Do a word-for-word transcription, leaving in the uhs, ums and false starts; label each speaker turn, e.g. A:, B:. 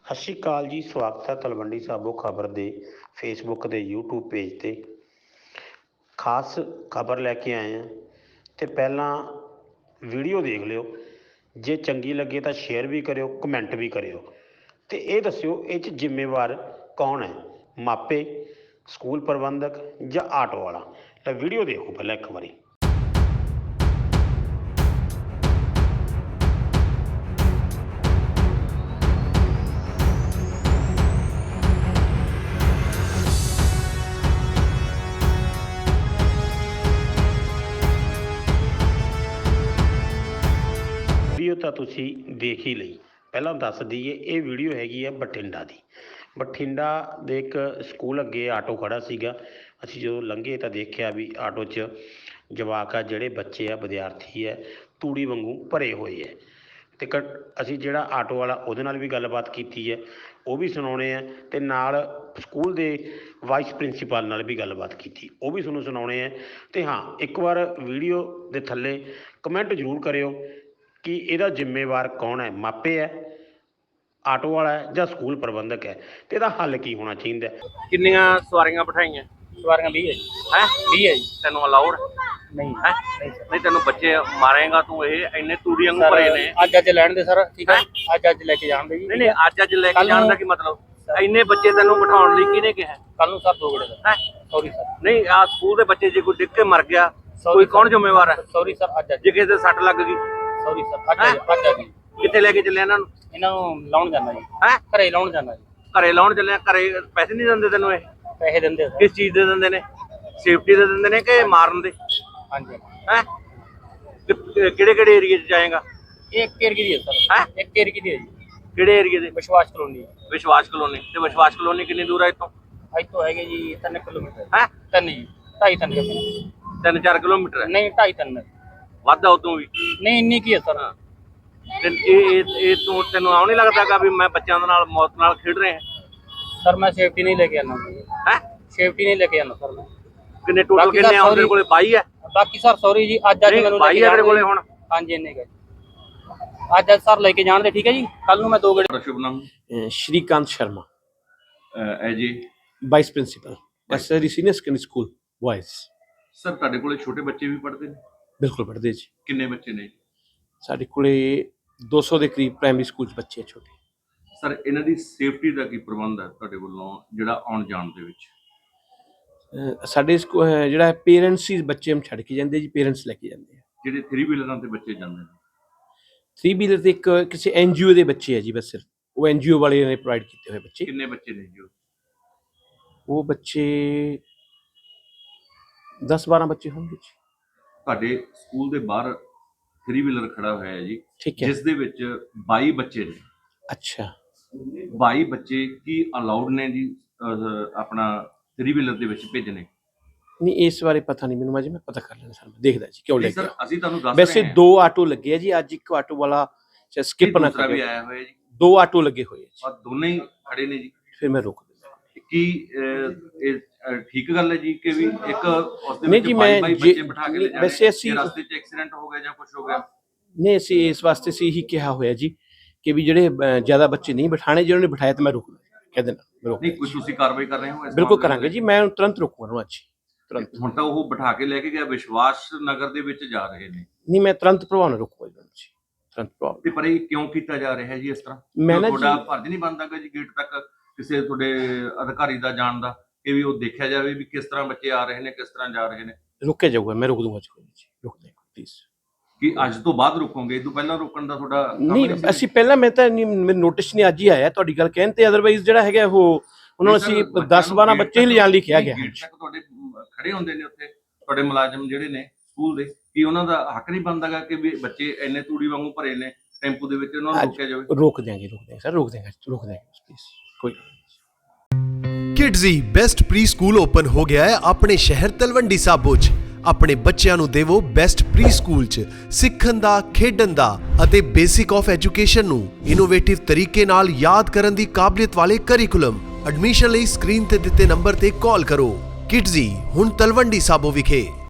A: ਸਤਿ ਸ਼੍ਰੀ ਅਕਾਲ ਜੀ। ਸਵਾਗਤ ਹੈ ਤਲਵੰਡੀ ਸਾਬੋ ਖਬਰ ਦੇ ਫੇਸਬੁੱਕ ਦੇ ਯੂਟਿਊਬ ਪੇਜ 'ਤੇ। ਖਾਸ ਖਬਰ ਲੈ ਕੇ ਆਏ ਹਾਂ ਅਤੇ ਪਹਿਲਾਂ ਵੀਡੀਓ ਦੇਖ ਲਿਓ, ਜੇ ਚੰਗੀ ਲੱਗੇ ਤਾਂ ਸ਼ੇਅਰ ਵੀ ਕਰਿਓ, ਕਮੈਂਟ ਵੀ ਕਰਿਓ ਅਤੇ ਇਹ ਦੱਸਿਓ ਇਹ 'ਚ ਜ਼ਿੰਮੇਵਾਰ ਕੌਣ ਹੈ, ਮਾਪੇ, ਸਕੂਲ ਪ੍ਰਬੰਧਕ ਜਾਂ ਆਟੋ ਵਾਲਾ। ਤਾਂ ਵੀਡੀਓ ਦੇਖੋ ਪਹਿਲਾਂ ਇੱਕ ਵਾਰੀ। ਵੀਡੀਓ ਤਾਂ ਤੁਸੀਂ ਦੇਖ ਹੀ ਲਈ। ਪਹਿਲਾਂ ਦੱਸ ਦਈਏ, ਇਹ ਵੀਡੀਓ ਹੈਗੀ ਹੈ ਬਠਿੰਡਾ ਦੀ। ਬਠਿੰਡਾ ਦੇ ਇੱਕ ਸਕੂਲ ਅੱਗੇ ਆਟੋ ਖੜ੍ਹਾ ਸੀਗਾ। ਅਸੀਂ ਜਦੋਂ ਲੰਘੇ ਤਾਂ ਦੇਖਿਆ ਵੀ ਆਟੋ 'ਚ ਜਵਾਕ ਆ, ਜਿਹੜੇ ਬੱਚੇ ਆ, ਵਿਦਿਆਰਥੀ ਹੈ, ਤੂੜੀ ਵਾਂਗੂ ਭਰੇ ਹੋਏ ਹੈ। ਅਤੇ ਕ ਅਸੀਂ ਜਿਹੜਾ ਆਟੋ ਵਾਲਾ ਉਹਦੇ ਨਾਲ ਵੀ ਗੱਲਬਾਤ ਕੀਤੀ ਹੈ, ਉਹ ਵੀ ਸੁਣਾਉਣੇ ਆ, ਅਤੇ ਨਾਲ ਸਕੂਲ ਦੇ ਵਾਈਸ ਪ੍ਰਿੰਸੀਪਲ ਨਾਲ ਵੀ ਗੱਲਬਾਤ ਕੀਤੀ, ਉਹ ਵੀ ਤੁਹਾਨੂੰ ਸੁਣਾਉਣੇ ਹੈ। ਅਤੇ ਹਾਂ, ਇੱਕ ਵਾਰ ਵੀਡੀਓ ਦੇ ਥੱਲੇ ਕਮੈਂਟ ਜ਼ਰੂਰ ਕਰਿਓ ਕਿ ਇਹਦਾ ਜ਼ਿੰਮੇਵਾਰ ਕੌਣ ਹੈ, ਮਾਪੇ ਹੈ, ਆਟੋ ਵਾਲਾ ਹੈ ਜਾਂ ਸਕੂਲ ਪ੍ਰਬੰਧਕ ਹੈ, ਅਤੇ ਇਹਦਾ ਹੱਲ ਕੀ ਹੋਣਾ ਚਾਹੀਦਾ।
B: ਕਿੰਨੀਆਂ ਸਵਾਰੀਆਂ ਬਿਠਾਈਆਂ?
C: ਸਵਾਰੀਆਂ ਵੀਹ ਹੈ ਜੀ।
B: ਹੈ
C: ਵੀਹ ਹੈ ਜੀ।
B: ਤੈਨੂੰ ਅਲਾਉਡ
C: ਨਹੀਂ
B: ਹੈ?
C: ਨਹੀਂ ਸਰ।
B: ਨਹੀਂ, ਤੈਨੂੰ ਬੱਚੇ ਮਾਰੇਗਾ ਤੂੰ। ਇਹ ਇੰਨੇ ਤੂੜੀ ਵਾਂਗੂ ਭਰੇ ਨੇ।
C: ਅੱਜ ਅੱਜ ਲੈਣ ਦੇ ਸਰ, ਠੀਕ ਹੈ, ਅੱਜ ਅੱਜ ਲੈ ਕੇ ਜਾਣ ਦੇ ਜੀ।
B: ਨਹੀਂ ਨਹੀਂ, ਅੱਜ ਅੱਜ ਲੈ ਕੇ ਜਾਣ ਦਾ ਕੀ ਮਤਲਬ? ਇੰਨੇ ਬੱਚੇ ਤੈਨੂੰ ਬਿਠਾਉਣ ਲਈ ਕਿਹਨੇ ਕਿਹਾ?
C: ਕੱਲ ਨੂੰ ਸਰ ਦੋ ਗੜੇ ਦਾ।
B: ਹੈ
C: ਸੌਰੀ ਸਰ।
B: ਨਹੀਂ, ਆ ਸਕੂਲ ਦੇ ਬੱਚੇ ਜੇ ਕੋਈ ਡਿੱਗ ਕੇ ਮਰ ਗਿਆ, ਕੋਈ ਕੌਣ ਜ਼ਿੰਮੇਵਾਰ ਹੈ?
C: Sorry sir. ਅੱਜ ਅੱਜ
B: ਜੇ ਕਿਸੇ ਦੇ ਸੱਟ ਲੱਗ ਗਈ?
C: Sorry sir. ਅੱਜ ਅੱਜ ਅੱਜ ਅੱਜ
B: ਕਿੱਥੇ ਲੈ ਕੇ ਚੱਲੇ ਇਹਨਾਂ ਨੂੰ?
C: ਇਹਨਾਂ ਨੂੰ ਲਾਉਣ ਜਾਣਾ ਜੀ।
B: ਹੈ
C: ਘਰੇ ਲਾਉਣ ਜਾਣਾ ਜੀ।
B: ਘਰੇ ਲਾਉਣ ਚੱਲੇ? ਘਰੇ ਪੈਸੇ ਨਹੀਂ ਦਿੰਦੇ ਤੈਨੂੰ? ਇਹ
C: ਪੈਸੇ ਦਿੰਦੇ ਸਰ।
B: ਕਿਸ ਚੀਜ਼ ਦੇ ਦਿੰਦੇ ਨੇ? ਸੇਫਟੀ ਦੇ ਦਿੰਦੇ ਨੇ ਕਿ ਮਾਰਨ ਦੇ?
C: ਹਾਂਜੀ।
B: ਹੈ ਕਿਹੜੇ ਕਿਹੜੇ ਏਰੀਏ 'ਚ ਜਾਏਗਾ?
C: ਇਹ ਇੱਕ ਏਰੀਏ ਦੀ ਹੈ ਸਰ।
B: ਹੈ
C: ਇੱਕ ਏਰੀਏ ਦੀ ਹੈ ਜੀ।
B: ਕਿਹੜੇ ਏਰੀਏ ਦੇ?
C: ਵਿਸ਼ਵਾਸ ਕਲੋਨੀ।
B: ਵਿਸ਼ਵਾਸ ਕਲੋਨੀ। ਤੇ ਵਿਸ਼ਵਾਸ ਕਲੋਨੀ ਕਿੰਨੀ ਦੂਰ ਹੈ ਇੱਥੋਂ?
C: ਇੱਥੋਂ ਹੈਗੇ ਜੀ ਤਿੰਨ ਕਿਲੋਮੀਟਰ।
B: ਹੈ
C: ਤਿੰਨ ਜੀ, ਢਾਈ ਤਿੰਨ ਕਿਲੋਮੀਟਰ।
B: ਤਿੰਨ ਚਾਰ ਕਿਲੋਮੀਟਰ ਹੈ?
C: ਨਹੀਂ, ਢਾਈ ਤਿੰਨ।
B: ਵੱਧ ਆ ਉਦੋਂ ਵੀ?
C: ਨਹੀਂ, ਇੰਨੀ ਕੀ ਹੈ ਸਰ।
B: ਤੇ ਇਹ ਇਹ ਇਹ ਤੂੰ ਤੈਨੂੰ ਆਉ ਨਹੀਂ ਲੱਗਦਾਗਾ ਵੀ ਮੈਂ ਬੱਚਿਆਂ ਦੇ ਨਾਲ ਮੌਤ ਨਾਲ ਖੇਡ ਰਿਹਾ?
C: ਸਰ ਮੈਂ ਸੇਫਟੀ ਨਹੀਂ ਲੈ ਕੇ ਆਉਣਾ।
B: ਹੈ
C: ਸੇਫਟੀ ਨਹੀਂ ਲੈ ਕੇ ਆਉਣਾ ਸਰ ਮੈਂ।
B: ਕਿੰਨੇ ਟੋਟਲ ਕਿੰਨੇ ਆ ਉਹਦੇ ਕੋਲੇ? ਬਾਈ ਹੈ?
C: ਬਾਕੀ ਸਰ ਸੌਰੀ ਜੀ, ਅੱਜ ਅੱਜ ਮੈਨੂੰ
B: ਬਾਈ ਆ ਤੇਰੇ ਕੋਲੇ ਹੁਣ?
C: ਹਾਂਜੀ, ਇੰਨੇ ਕੁ ਅੱਜ ਅੱਜ ਸਰ ਲੈ ਕੇ ਜਾਣ ਦੇ, ਠੀਕ ਹੈ ਜੀ। ਕੱਲ ਨੂੰ ਮੈਂ ਦੋ ਗੇੜੇ।
B: ਸ਼ੁਭ ਨਾਮ?
D: श्रीकांत शर्मा,
B: ਐ ਜੀ
D: vice principal, SRD senior secondary school boys.
B: Sir ਤੁਹਾਡੇ ਕੋਲੇ ਛੋਟੇ ਬੱਚੇ ਵੀ ਪੜ੍ਹਦੇ ਨੇ?
D: बिल्कुल पढ़ते जी।
B: ਕਿੰਨੇ ਬੱਚੇ ਨੇ?
D: साढ़े कोले दो सौ के करीब प्राइमरी स्कूल बच्चे छोटे।
B: ਸਰ ਇਹਨਾਂ ਦੀ ਸੇਫਟੀ ਦਾ ਕੀ ਪ੍ਰਬੰਧ ਹੈ ਤੁਹਾਡੇ ਵੱਲੋਂ ਜਿਹੜਾ ਆਉਣ ਜਾਣ ਦੇ ਵਿੱਚ?
D: ਸਾਡੇ ਜਿਹੜਾ ਪੇਰੈਂਟਸ ਹੀ ਬੱਚੇ ਨੂੰ ਛੱਡ ਕੇ ਜਾਂਦੇ ਜੀ, ਪੇਰੈਂਟਸ ਲੈ ਕੇ ਜਾਂਦੇ ਆ।
B: ਜਿਹੜੇ ਥਰੀ ਵੀਲਰਾਂ ਤੇ ਬੱਚੇ ਜਾਂਦੇ ਨੇ?
D: ਥਰੀ ਵੀਲਰ ਤੇ ਇੱਕ ਕਿਸੇ ਐਨਜੀਓ ਦੇ ਬੱਚੇ ਆ ਜੀ, ਬਸ ਸਿਰਫ ਉਹ ਐਨਜੀਓ ਵਾਲੇ ਨੇ ਪ੍ਰੋਵਾਈਡ ਕੀਤੇ ਹੋਏ ਬੱਚੇ।
B: ਕਿੰਨੇ ਬੱਚੇ ਨੇ ਜੀ?
D: ਉਹ ਬੱਚੇ ਦਸ ਬਾਰਾਂ ਬੱਚੇ ਹੋਣਗੇ ਜੀ।
B: ਤੁਹਾਡੇ ਸਕੂਲ ਦੇ ਬਾਹਰ ਥਰੀ ਵੀਲਰ ਖੜਾ ਹੋਇਆ ਹੈ ਜੀ,
D: ਠੀਕ ਹੈ,
B: ਜਿਸ ਦੇ ਵਿੱਚ ਬਾਈ ਬੱਚੇ ਨੇ।
D: ਅੱਛਾ,
B: ਬਾਈ ਬੱਚੇ ਕੀ ਅਲਾਉਡ ਨੇ ਜੀ ਅਹ, ਆਪਣਾ ਥਰੀ ਵੀਲਰ ਦੇ ਵਿੱਚ ਭੇਜਣੇ?
D: ਨਹੀਂ ਇਸ ਬਾਰੇ ਪਤਾ ਨਹੀਂ ਮੈਨੂੰ, ਅਜੇ ਮੈਂ ਪਤਾ ਕਰ ਲੈਣਾ ਸਰ, ਮੈਂ ਦੇਖਦਾ ਜੀ ਕਿਉਂ
B: ਨਹੀਂ
D: ਲੱਗੇ।
B: ਸਰ ਅਸੀਂ ਤੁਹਾਨੂੰ ਦੱਸ
D: ਵੈਸੇ
B: ਰਹੇ ਹਾਂ।
D: ਦੋ ਆਟੋ ਲੱਗੇ ਆ ਜੀ ਅੱਜ, ਇੱਕ ਆਟੋ ਵਾਲਾ ਸਕਿਪ ਨਾ
B: ਦੂਸਰਾ ਵੀ
D: ਕਰੇ।
B: ਆਇਆ ਹੋਇਆ ਜੀ।
D: ਦੋ ਆਟੋ ਲੱਗੇ ਹੋਏ ਆ ਜੀ।
B: ਔਰ ਦੋਨੇ ਹੀ ਖੜੇ ਨੇ ਜੀ।
D: ਫਿਰ ਮੈਂ ਰੋਕ ਦਿੰਦਾ।
B: ਕੀ ਅਹ, ਇਹ ਅਹ, ਠੀਕ ਗੱਲ ਹੈ ਜੀ ਕਿ ਵੀ ਇੱਕ ਉਸ ਦੇ
D: ਨਹੀਂ
B: ਵਿੱਚ
D: ਜੀ,
B: ਬਾਈ
D: ਮੈਂ
B: ਬਾਈ
D: ਜੇ-
B: ਬੱਚੇ ਬਿਠਾ ਕੇ ਲੈ ਜਾਣੇ?
D: ਵੈਸੇ ਅਸੀਂ-
B: ਜੇ ਰਸਤੇ 'ਚ ਐਕਸੀਡੈਂਟ ਹੋ ਗਿਆ ਜਾਂ ਕੁਝ ਹੋ ਗਿਆ?
D: ਨਹੀਂ, ਅਸੀਂ ਇਸ ਵਾਸਤੇ ਸੀ ਹੀ ਕਿਹਾ ਹੋਇਆ ਜੀ ਕਿ ਵੀ ਜਿਹੜੇ ਅਹ, ਜ਼ਿਆਦਾ ਬੱਚੇ ਨਹੀਂ ਬਿਠਾਣੇ, ਜਿਹਨਾਂ ਨੇ ਬਿਠਾਇਆ ਤਾਂ ਮੈਂ ਰੋਕ ਕਹਿ ਦੇਣਾ, ਮੈਂ ਰੋਕ
B: ਨਹੀਂ ਕੁਝ ਤੁਸੀਂ ਕਾਰਵਾਈ ਕਰ ਰਹੇ ਹੋ ਇਸ
D: ਬਿਲਕੁਲ
B: ਮਾਮਲੇ
D: ਕਰਾਂਗੇ
B: ਦੇ?
D: ਜੀ, ਮੈਂ ਉਹਨੂੰ ਤੁਰੰਤ ਰੋਕੂਗਾ ਉਹਨੂੰ ਅੱਜ ਤੁਰੰਤ।
B: ਹੁਣ ਤਾਂ ਉਹ ਬਿਠਾ ਕੇ ਲੈ ਕੇ ਗਿਆ ਵਿਸ਼ਵਾਸ ਨਗਰ ਦੇ ਵਿੱਚ ਜਾ ਰਹੇ ਨੇ।
D: ਨਹੀਂ, ਮੈਂ ਤੁਰੰਤ ਪ੍ਰਭਾਵ ਨਾਲ ਰੋਕੂਗਾ ਜੀ, ਤੁਰੰਤ ਪ੍ਰਭਾਵ।
B: ਤੇ ਪਰ ਇਹ ਕਿਉਂ ਕੀਤਾ ਜਾ ਰਿਹਾ ਹੈ ਜੀ ਇਸ ਤਰ੍ਹਾਂ?
D: ਮੈਂ ਨਾ
B: ਤੁਹਾਡਾ
D: ਜੀ-
B: ਫਰਜ਼ ਨਹੀਂ ਬਣਦਾਗਾ ਜੀ ਗੇਟ ਤੱਕ ਕਿਸੇ ਤੁਹਾਡੇ ਅਧਿਕਾਰੀ ਦਾ ਜਾਣ ਦਾ, ਕਿ ਵੀ ਉਹ ਦੇਖਿਆ ਜਾਵੇ ਵੀ ਕਿਸ ਤਰ੍ਹਾਂ ਬੱਚੇ ਆ ਰਹੇ ਨੇ, ਕਿਸ ਤਰ੍ਹਾਂ ਜਾ ਰਹੇ ਨੇ?
D: ਰੋਕਿਆ ਜਾਊਗਾ, ਮੈਂ ਰੋਕ ਦੂੰਗਾ ਜੀ, ਕੋਈ ਨਹੀਂ ਜੀ, ਰੋਕ ਦੇਗਾ ਪਲੀਜ਼।
B: ਕਿ ਅੱਜ ਤੋਂ ਬਾਅਦ ਰੁਕੋਗੇ? ਇਹ ਤੋਂ ਪਹਿਲਾਂ ਰੋਕਣ ਦਾ ਤੁਹਾਡਾ ਕੰਮ
D: ਨਹੀਂ,
B: ਸੀ?
D: ਅਸੀਂ ਪਹਿਲਾਂ ਮੈਂ ਤਾਂ ਨਹੀਂ, ਮੈਨੂੰ ਨੋਟਿਸ ਨਹੀਂ ਅੱਜ ਹੀ ਆਇਆ ਤੁਹਾਡੀ ਗੱਲ ਕਹਿਣ ਤੇ, ਅਦਰਵਾਈਜ਼ ਜਿਹੜਾ ਹੈਗਾ ਉਹ ਉਹਨਾਂ ਨੂੰ ਅਸੀਂ ਦਸ ਬਾਰਾਂ ਬੱਚੇ ਹੀ ਲਿਜਾਣ ਲਈ ਕਿਹਾ ਗਿਆ।
B: ਗੇਟ ਤੱਕ ਤੁਹਾਡੇ ਖੜੇ ਹੁੰਦੇ ਨੇ ਉੱਥੇ ਤੁਹਾਡੇ ਮੁਲਾਜ਼ਮ ਜਿਹੜੇ ਨੇ ਸਕੂਲ ਦੇ, ਕੀ ਉਹਨਾਂ ਦਾ ਹੱਕ ਨਹੀਂ ਬਣਦਾਗਾ ਕਿ ਵੀ ਬੱਚੇ ਇੰਨੇ ਤੂੜੀ ਵਾਂਗੂ ਭਰੇ ਨੇ ਟੈਂਪੂ ਦੇ ਵਿੱਚ, ਉਹਨਾਂ ਨੂੰ ਰੋਕਿਆ ਜਾਵੇ?
D: ਰੋਕ ਦੇਂਗੇ, ਰੋਕ ਦੇਂਗੇ ਸਰ, ਰੋਕ ਦੇਂਗੇ, ਰੋਕ ਦੇਂਗੇ ਪਲੀਜ਼, ਕੋਈ
E: Kidzee best preschool open हो गया है अपने शहर तलवंडी साबो च। अपने बच्चों ਨੂੰ ਦੇਵੋ ਬੈਸਟ ਪ੍ਰੀ ਸਕੂਲ ਚ ਸਿੱਖਣ ਦਾ, ਖੇਡਣ ਦਾ ਅਤੇ ਬੇਸਿਕ ਆਫ ਐਜੂਕੇਸ਼ਨ ਨੂੰ ਇਨੋਵੇਟਿਵ ਤਰੀਕੇ ਨਾਲ ਯਾਦ ਕਰਨ ਦੀ ਕਾਬਲੀਅਤ ਵਾਲੇ ਕਰਿਕੂਲਮ। ਐਡਮਿਸ਼ਨ ਲਈ ਸਕਰੀਨ ਤੇ ਦਿੱਤੇ ਨੰਬਰ ਤੇ ਕਾਲ ਕਰੋ। ਕਿਡਜ਼ੀ ਹੁਣ ਤਲਵੰਡੀ ਸਾਬੋ ਵਿਖੇ।